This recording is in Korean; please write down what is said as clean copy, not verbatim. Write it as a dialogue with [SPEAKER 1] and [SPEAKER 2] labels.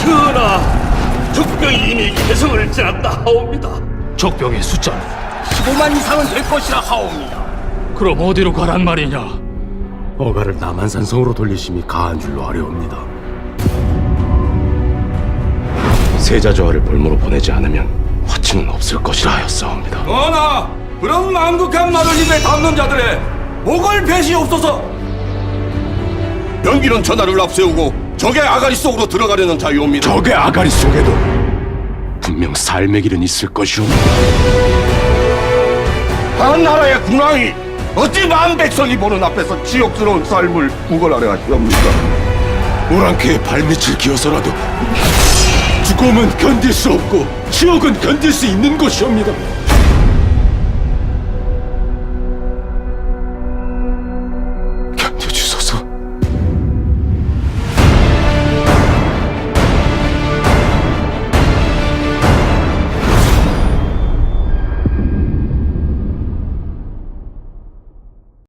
[SPEAKER 1] 전하, 적병이 이미 개성을 지났다 하옵니다.
[SPEAKER 2] 적병의 숫자는
[SPEAKER 1] 15만 이상은 될 것이라 하옵니다.
[SPEAKER 2] 그럼 어디로 가란 말이냐?
[SPEAKER 3] 어가를 남한산성으로 돌리심이 가한 줄로 아려옵니다. 세자조화를 볼모로 보내지 않으면 화친은 없을 것이라 하였사옵니다.
[SPEAKER 4] 전하, 그런 망극한 말을 입에 담는 자들의 목을 베시옵소서.
[SPEAKER 5] 연기는 전하를 앞세우고 적의 아가리 속으로 들어가려는 자유옵니다.
[SPEAKER 3] 적의 아가리 속에도 분명 삶의 길은 있을 것이옵니다.
[SPEAKER 5] 한 나라의 군왕이 어찌 만 백성이 보는 앞에서 지옥스러운 삶을 구걸하려 하시옵니까?
[SPEAKER 3] 오랑캐의 발밑을 기어서라도 죽음은 견딜 수 없고 지옥은 견딜 수 있는 것이옵니다.